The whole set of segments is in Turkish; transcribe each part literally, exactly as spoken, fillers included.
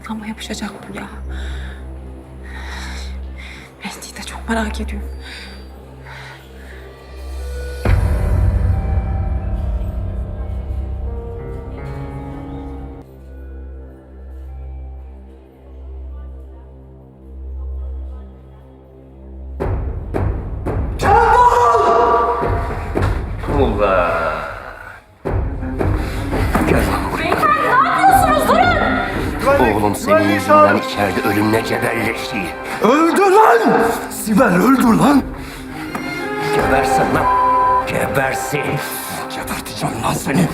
aklıma yapışacak bu ya. Mehdi'yi de çok merak ediyorum. Allah! Gel lan buraya. Beyefendi ne yapıyorsunuz? Durun! Oğlum senin yüzünden içeride ölümle cebelleşti. Öldü lan! Sibel öldü lan! Gebersin lan. Gebersin. Geberteceğim lan seni.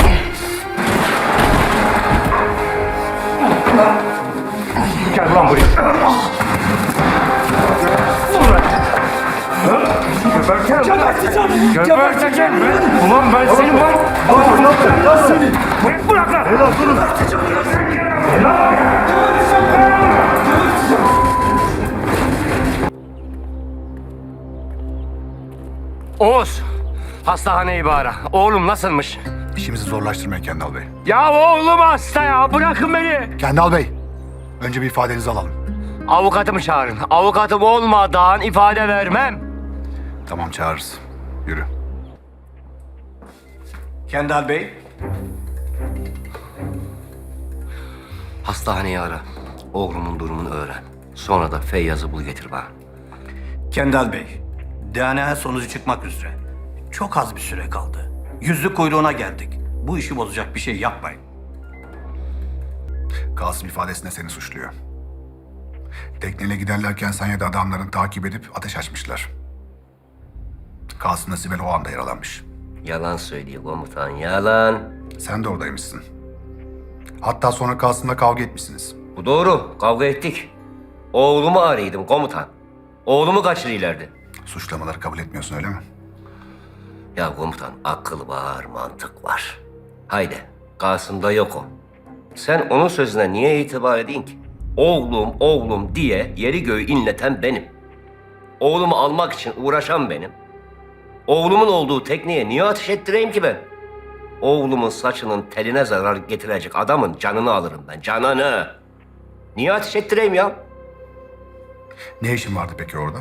Gel lan buraya. Geberteceğim. Geberteceğim! Geberteceğim. Ulan ben senin var. Bak ne yapacağım lan seni? Bırak, bırak lan. Helal durun! Oğuz. Hastaneyi bir ara. Oğlum nasılmış? İşimizi zorlaştırmayın Kendal Bey. Ya oğlum hasta ya. Bırakın beni. Kendal Bey, önce bir ifadenizi alalım. Avukatımı çağırın. Avukatım olmadan ifade vermem. Tamam, çağırırız. Yürü. Kendal Bey. Hastaneyi ara. Oğlumun durumunu öğren. Sonra da Feyyaz'ı bul getir bana. Kendal Bey, D N A sonucu çıkmak üzere. Çok az bir süre kaldı. Yüzlük kuyruğuna geldik. Bu işi bozacak bir şey yapmayın. Kasım ifadesinde seni suçluyor. Tekneyle giderlerken sen ya da adamların takip edip ateş açmışlar. Kasım'la Sibel o anda yaralanmış. Yalan söylüyor komutan, yalan. Sen de oradaymışsın. Hatta sonra Kasım'la kavga etmişsiniz. Bu doğru, kavga ettik. Oğlumu arıyordum komutan. Oğlumu kaçırıyorlardı. Suçlamaları kabul etmiyorsun öyle mi? Ya komutan, akıl var, mantık var. Haydi, Kasım'da yok o. Sen onun sözüne niye itibar edin ki? Oğlum, oğlum diye yeri göğü inleten benim. Oğlumu almak için uğraşan benim. Oğlumun olduğu tekneye niye ateş ettireyim ki ben? Oğlumun saçının teline zarar getirecek adamın canını alırım ben, canını. Niye ateş ettireyim ya? Ne işin vardı peki orada?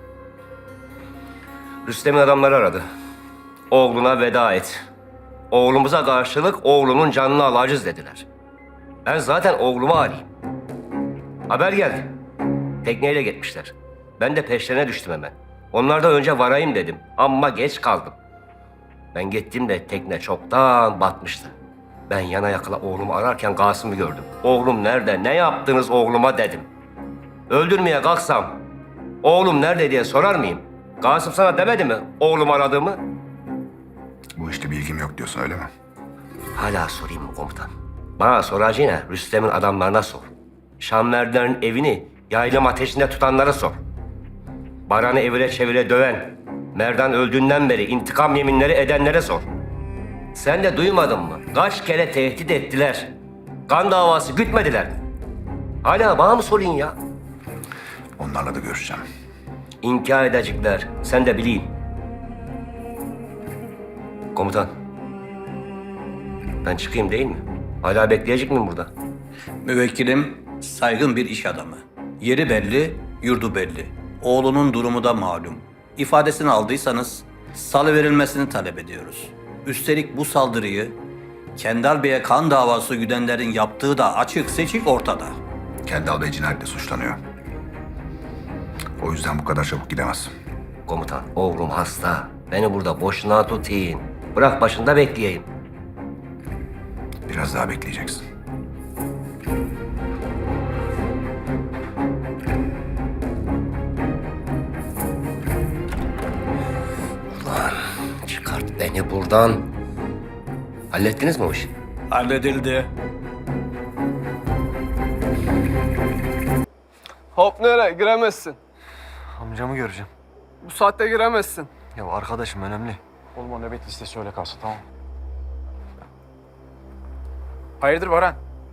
Rüstem'in adamları aradı. Oğluna veda et. Oğlumuza karşılık oğlunun canını alacağız dediler. Ben zaten oğlumu arayayım. Haber geldi. Tekneyle gitmişler. Ben de peşlerine düştüm hemen. Onlardan önce varayım dedim ama geç kaldım. Ben gittiğimde tekne çoktan batmıştı. Ben yana yakala oğlumu ararken Kasım'ı gördüm. Oğlum nerede, ne yaptınız oğluma dedim. Öldürmeye kalksam, oğlum nerede diye sorar mıyım? Kasım sana demedi mi oğlum aradığımı? Bu işte bilgim yok diyorsun öyle mi? Hala sorayım mı komutan? Bana soracağına Rüstem'in adamlarına sor. Şamverdilerin evini yaylım ateşinde tutanlara sor. Baran'ı evire çevire döven, Merdan öldüğünden beri intikam yeminleri edenlere sor. Sen de duymadın mı? Kaç kere tehdit ettiler. Kan davası gütmediler. Hala bana mı sorayım ya? Onlarla da görüşeceğim. İnkar edecekler. Sen de bileyim. Komutan. Ben çıkayım değil mi? Hala bekleyecek miyim burada? Müvekkilim saygın bir iş adamı. Yeri belli, yurdu belli. Oğlunun durumu da malum. İfadesini aldıysanız salıverilmesini talep ediyoruz. Üstelik bu saldırıyı Kendal Bey'e kan davası güdenlerin yaptığı da açık seçik ortada. Kendal Bey cinayetle suçlanıyor. O yüzden bu kadar çabuk gidemez. Komutan, oğlum hasta. Beni burada boşuna tutayım. Bırak başında bekleyeyim. Biraz daha bekleyeceksin. Ulan çıkart beni buradan. Hallettiniz mi o işi? Halledildi. Hop nereye? Giremezsin. Amcamı göreceğim. Bu saatte giremezsin. Ya arkadaşım önemli. Oğlum o nöbet listesi öyle kalsın tamam. Hayırdır Baran?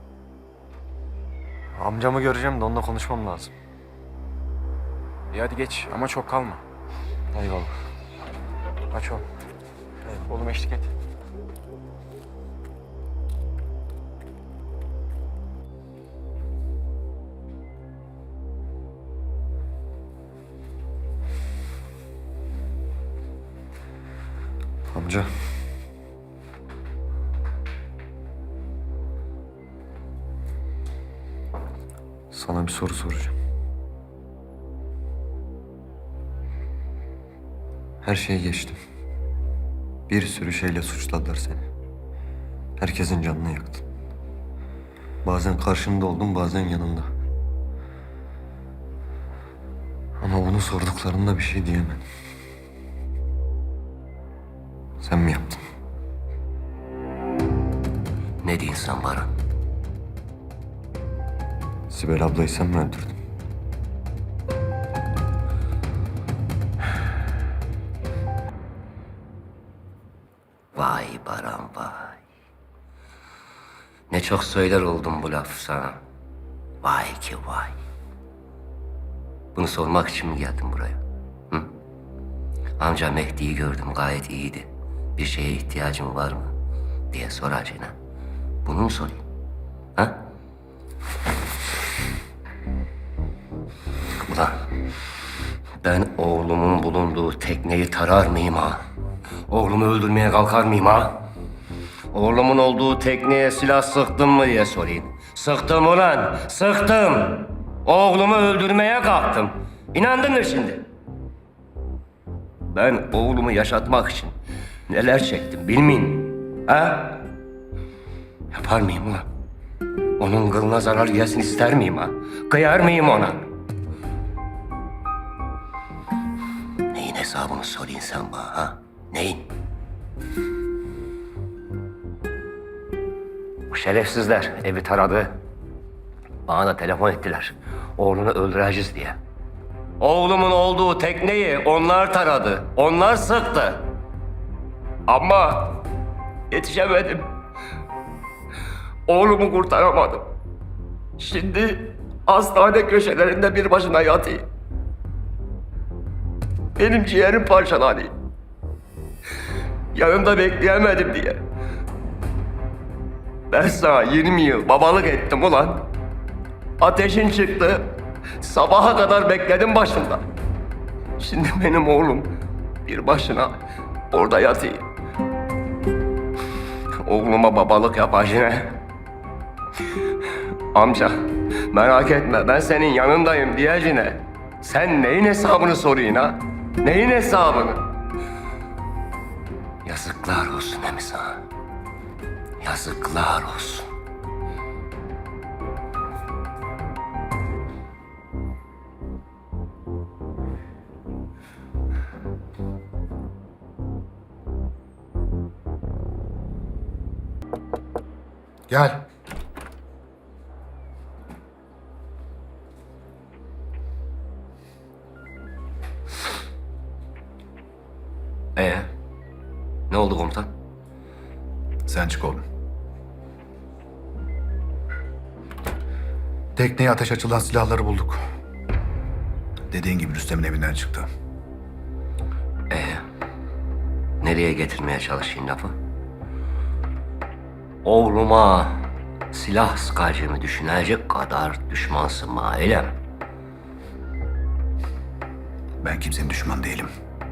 Amcamı göreceğim de onunla konuşmam lazım. İyi hadi geç ama çok kalma. Eyvallah. Aç ol. Oğlum eşlik et. Amca. Sana bir soru soracağım. Her şeyi geçtim. Bir sürü şeyle suçladılar seni. Herkesin canını yaktın. Bazen karşında oldum, bazen yanında. Ama bunu sorduklarında bir şey diyemedim. Sen mi yaptın? Ne diyorsun sen Baran? Sibel ablayı sen mi öldürdün? Vay Baran vay. Ne çok söyler oldum bu laf sana. Vay ki vay. Bunu sormak için mi geldin buraya? Hı? Amca Mehdi'yi gördüm, gayet iyiydi. Bir şeye ihtiyacın var mı diye soracağına. Bunu mu sorayım? Ha? Ulan ben oğlumun bulunduğu tekneyi tarar mıyım ha? Oğlumu öldürmeye kalkar mıyım ha? Oğlumun olduğu tekneye silah sıktım mı diye sorayım. Sıktım ulan, sıktım. Oğlumu öldürmeye kalktım. İnandın mı şimdi? Ben oğlumu yaşatmak için neler çektim bilmeyin. Ha? Yapar mıyım ulan? Onun kılına zarar gelsin ister miyim ha? Kıyar mıyım ona? Neyin hesabını sorayım sen bana ha? Neyin? Bu şerefsizler evi taradı. Bana da telefon ettiler. Oğlunu öldüreceğiz diye. Oğlumun olduğu tekneyi onlar taradı. Onlar sıktı. Ama yetişemedim. Oğlumu kurtaramadım. Şimdi hastane köşelerinde bir başına yatıyor. Benim ciğerim parçalandı. Yanımda bekleyemedim diye. Ben sana yirmi yıl babalık ettim ulan. Ateşin çıktı. Sabaha kadar bekledim başında. Şimdi benim oğlum bir başına orada yatıyor. Oğluma babalık yapacağına. Amca merak etme ben senin yanındayım diyeceğine. Sen neyin hesabını soruyorsun ha? Neyin hesabını? Yazıklar olsun Emi sana. Yazıklar olsun. Gel. Ee, ne oldu komutan? Sen çık oğlum. Tekneye ateş açılan silahları bulduk. Dediğin gibi Rüstem'in evinden çıktı. Ee, nereye getirmeye çalışayım lafı? Oğluma silah sıkacağımı düşünecek kadar düşmansın bana, öyle mi? Ben kimsenin düşmanı değilim.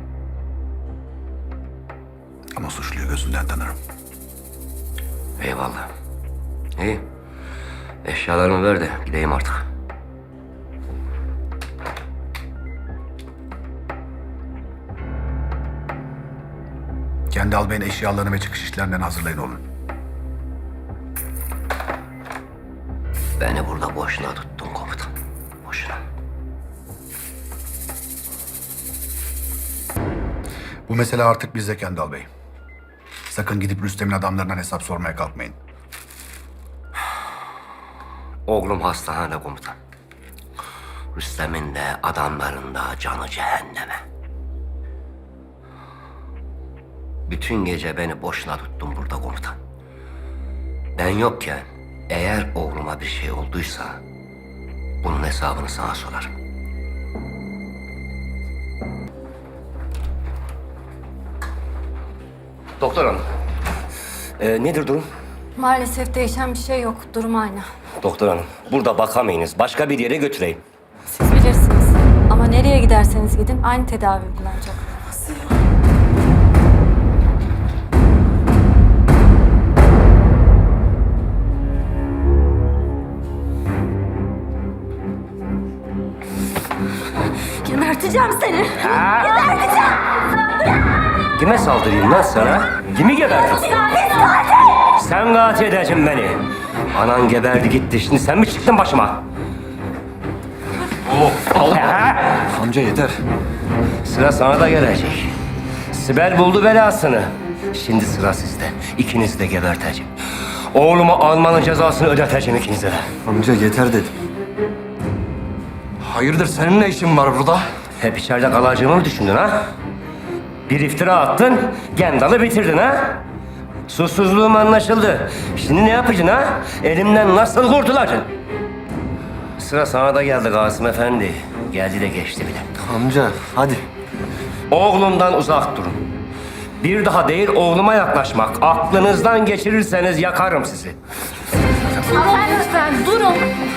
Ama suçluyu gözünden tanırım. Eyvallah. İyi. Eşyalarımı ver de gideyim artık. Kendi albayın eşyalarını ve çıkış işlerinden hazırlayın oğlum. Beni burada boşuna tuttun komutan. Boşuna. Bu mesele artık bizde Kendal Bey. Sakın gidip Rüstem'in adamlarından hesap sormaya kalkmayın. Oğlum hastane komutan. Rüstem'in de adamların da canı cehenneme. Bütün gece beni boşuna tuttun burada komutan. Ben yokken eğer oğluma bir şey olduysa bunun hesabını sana sorarım. Doktor hanım. Ee, nedir durum? Maalesef değişen bir şey yok. Durum aynı. Doktor hanım, burada bakamayınız. Başka bir yere götüreyim. Siz bilirsiniz. Ama nereye giderseniz gidin aynı tedavi uygulanacak. Geberteceğim seni. Kime saldırayım lan sana? Kimi geberteyim? Sen katil edeceksin beni. Anan geberdi gitti. Şimdi sen mi çıktın başıma? Amca yeter. Sıra sana da gelecek. Sibel buldu belasını. Şimdi sıra sizde. İkinizi de geberteceğim. Oğlumu almanın cezasını ödeteceğim ikinize de. Amca yeter dedim. Hayırdır senin ne işin var burada? Hep içeride kalacağımı mı düşündün ha? Bir iftira attın, Gendal'ı bitirdin ha? Susuzluğum anlaşıldı. Şimdi ne yapacaksın ha? Elimden nasıl kurtulacaksın? Sıra sana da geldi Kasım Efendi. Geldi de geçti bile. Amca hadi. Oğlumdan uzak durun. Bir daha değil oğluma yaklaşmak. Aklınızdan geçirirseniz yakarım sizi. Ama lütfen durun.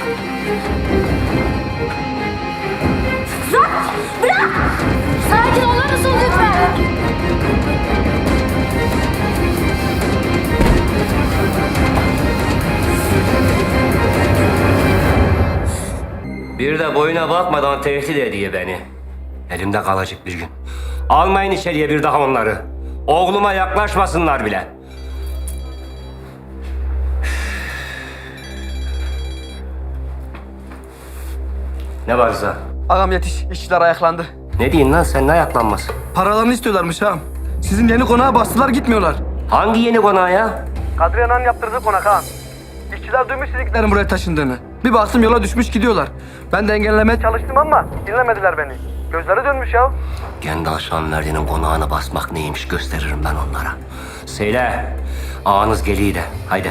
Bırak! Bırak! Sakin olur musun lütfen? Bir de boyuna bakmadan tehdit ediyor beni. Elimde kalacak bir gün. Almayın içeriye bir daha onları. Oğluma yaklaşmasınlar bile. Ne var Rıza? Ağam yetiş, işçiler ayaklandı. Ne diyorsun lan sen, ne ayaklanması? Paralarını istiyorlarmış ağam. Sizin yeni konağa bastılar gitmiyorlar. Hangi yeni konağı ya? Kadriye Ana'nın yaptırdığı konak ağam. İşçiler duymuş sizliklerin buraya taşındığını. Bir baktım yola düşmüş gidiyorlar. Ben de engellemeye çalıştım ama dinlemediler beni. Gözleri dönmüş ya. Gendal Şanverdi'nin konağına basmak neymiş gösteririm ben onlara. Söyle, ağanız geliyor de, haydi.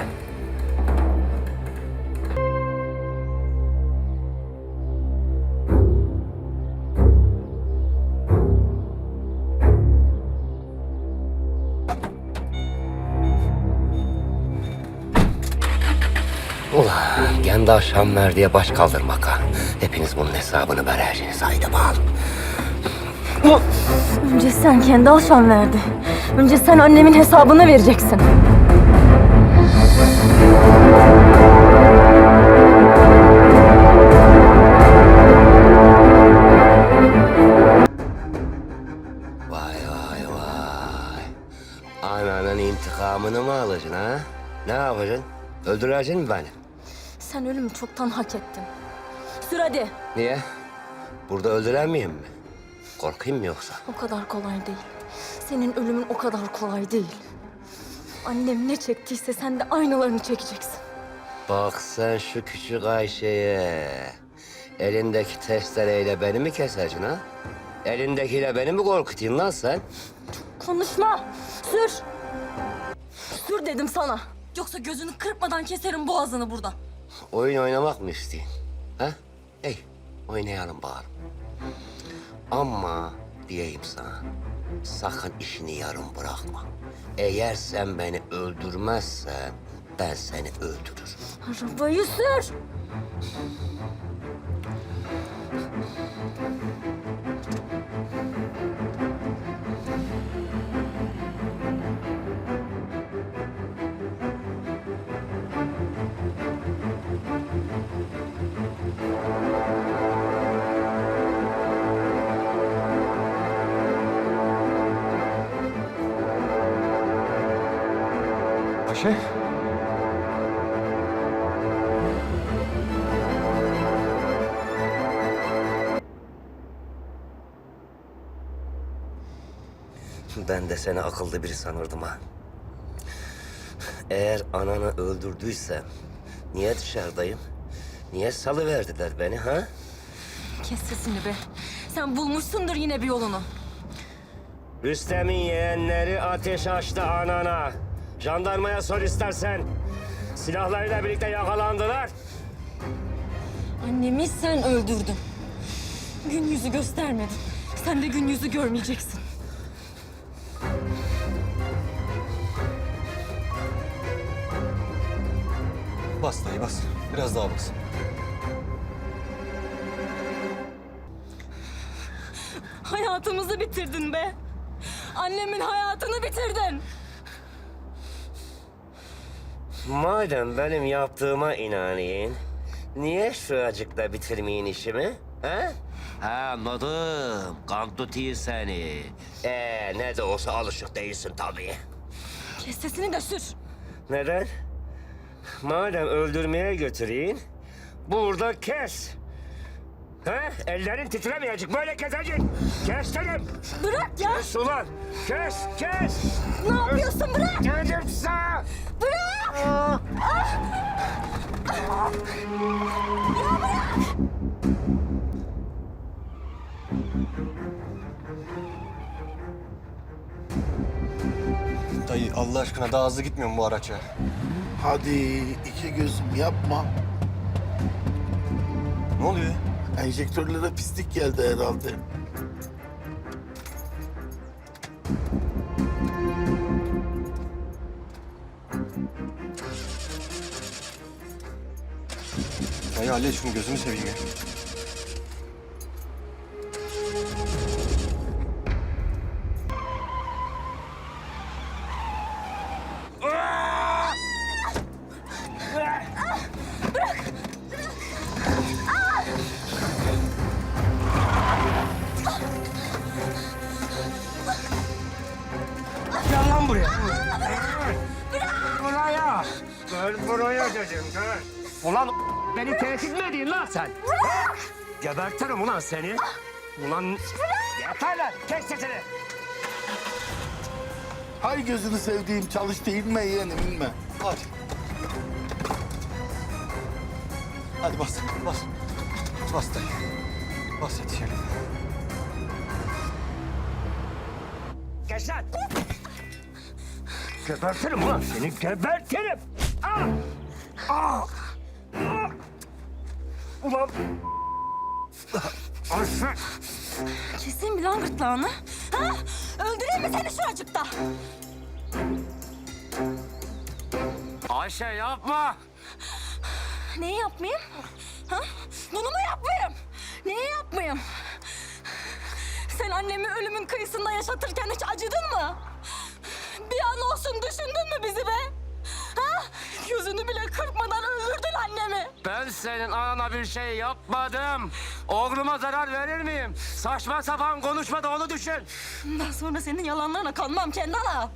Ulan Gendal Şanverdi'ye baş kaldırmak ha. Hepiniz bunun hesabını vereceksiniz, haydi bakalım. Önce sen kendi alşan verdi. Önce sen annemin hesabını vereceksin. Vay vay vay. Ananın intikamını mı alacaksın ha? Ne yapacaksın? Öldüreceksin mi beni? Sen ölümü çoktan hak ettin. Sür hadi. Niye? Burada öldüremeyeyim mi? Korkayım mı yoksa? O kadar kolay değil. Senin ölümün o kadar kolay değil. Annem ne çektiyse sen de aynılarını çekeceksin. Bak sen şu küçük Ayşe'ye. Elindeki testereyle beni mi keseceksin ha? Elindekiyle beni mi korkutayım lan sen? Konuşma. Sür. Sür dedim sana. Yoksa gözünü kırpmadan keserim boğazını burada. Oyun oynamak mı istiyorsun? Ha? Ey, oynayalım bakalım. Ama diyeyim sana, sakın işini yarım bırakma. Eğer sen beni öldürmezsen, ben seni öldürürüm. Arabayı sür. Ayşe. Ben de seni akıllı biri sanırdım ha. Eğer ananı öldürdüysem, niye dışarıdayım? Niye salıverdiler beni ha? Kes sesini be. Sen bulmuşsundur yine bir yolunu. Rüstem'in yeğenleri ateş açtı anana. Jandarmaya sor istersen. Silahlarıyla birlikte yakalandılar. Annemi sen öldürdün. Gün yüzü göstermedin. Sen de gün yüzü görmeyeceksin. Bas dayı bas. Biraz daha bas. Hayatımızı bitirdin be. Annemin hayatını bitirdin. Madem benim yaptığıma inanayım, Niye şuracıkla bitirmeyin işimi? Ha? Ha anladım. Kan tutuyor seni. Ee, ne de olsa alışık değilsin tabii. Kes sesini de sür. Neden? Madem öldürmeye götüreyim, burada kes. Ha? Ellerin titremeyecek, böyle kesecek. Kes dedim. Bırak ya. Kes ulan. Kes, kes. Ne yapıyorsun? Bırak. Dedim sana. Bırak. Dayı Allah aşkına daha hızlı gitmiyor mu bu araç ya? Hadi iki gözüm yapma. Ne oluyor? Enjektörlere pislik geldi herhalde. Dayı hallet şunu gözünü seveyim ya. Gel lan buraya. Buraya. Gel buraya dedim, gel. Ulan beni tehdit mi ediyorsun lan sen? Gebertirim ulan seni. Ulan yeter lan, kes sesini. Hay gözünü sevdiğim çalış da inme yeğenim inme. Hadi. Hadi bas, bas. Bas dayı. Bas yetişelim. Geç lan. Gebertirim ulan seni, gebertirim. Ah! Ah! Ah! Ulan. Ayşe. Keseyim mi lan gırtlağını? Ha? Öldüreyim mi seni şuracıkta? Ayşe yapma. Neyi yapmayayım? Ha? Bunu mu yapmayayım? Neyi yapmayayım? Sen annemi ölümün kıyısında yaşatırken hiç acıdın mı? Bir an olsun düşündün mü bizi be? Ha? Gözünü bile kırpmadan öldürdün annemi. Ben senin anana bir şey yapmadım. Oğluma zarar verir miyim? Saçma sapan konuşma da onu düşün. Bundan sonra senin yalanlarına kanmam Kendala.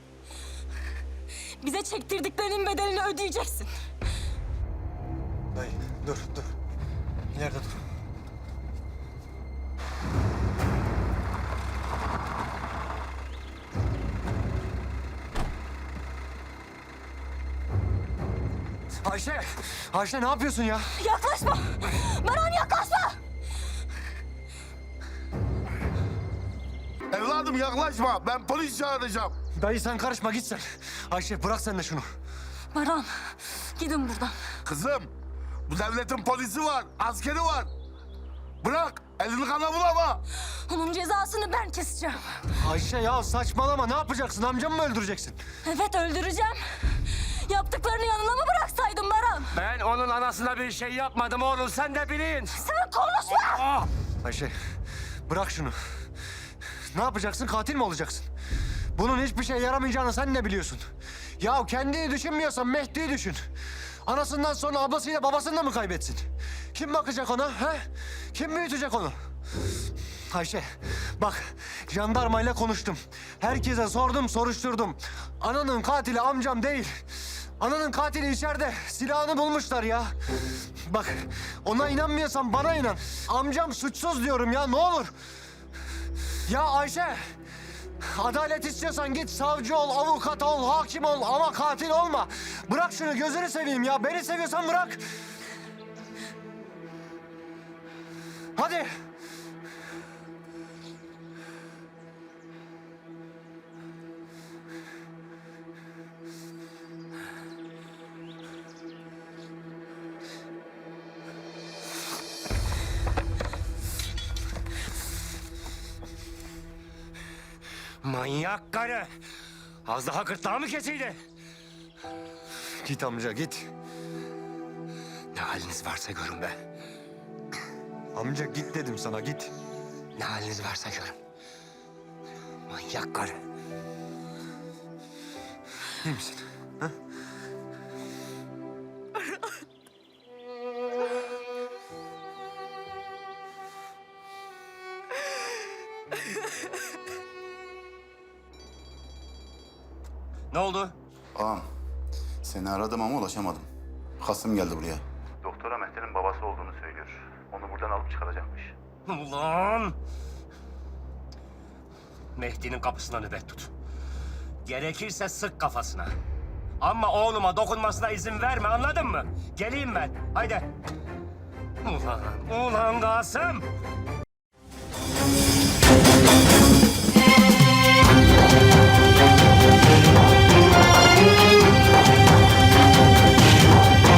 Bize çektirdiklerinin bedelini ödeyeceksin. Dayı dur, dur. İleride dur. Ayşe! Ayşe ne yapıyorsun ya? Yaklaşma! Baran yaklaşma! Evladım yaklaşma ben polis çağıracağım. Dayı sen karışma git sen. Ayşe bırak sen de şunu. Baran, gidin buradan. Kızım bu devletin polisi var askeri var. Bırak elini kana bulama. Onun cezasını ben keseceğim. Ayşe ya saçmalama ne yapacaksın? Amcamı mı öldüreceksin? Evet öldüreceğim. Yaptıklarını yanına mı bıraksaydın Baran? Ben onun anasına bir şey yapmadım oğlum, sen de bilin. Sen konuşma! Ayşe bırak şunu. Ne yapacaksın? Katil mi olacaksın? Bunun hiçbir şey yaramayacağını sen ne biliyorsun? Ya kendini düşünmüyorsan Mehdi'yi düşün. Anasından sonra ablasıyla babasını da mı kaybetsin? Kim bakacak ona? He? Kim büyütecek onu? Ayşe bak jandarmayla konuştum. Herkese sordum soruşturdum. Ananın katili amcam değil. Ananın katili içeride. Silahını bulmuşlar ya. Bak ona inanmıyorsan bana inan. Amcam suçsuz diyorum ya ne olur. Ya Ayşe, adalet istiyorsan git savcı ol, avukat ol, hakim ol ama katil olma. Bırak şunu gözünü seveyim ya. Beni seviyorsan bırak. Hadi. Manyak karı. Az daha gırtlağı mı kesiydi? Git amca git. Ne haliniz varsa görün be. Amca git dedim sana git. Ne haliniz varsa görün. Manyak karı. İyi misin? Ha? Ne oldu? Ağam, seni aradım ama ulaşamadım. Kasım geldi buraya. Doktora Mehter'in babası olduğunu söylüyor. Onu buradan alıp çıkaracakmış. Ulan! Mehdi'nin kapısına nöbet tut. Gerekirse sık kafasına. Ama oğluma dokunmasına izin verme, anladın mı? Geleyim ben. Haydi. Ulan, ulan Kasım!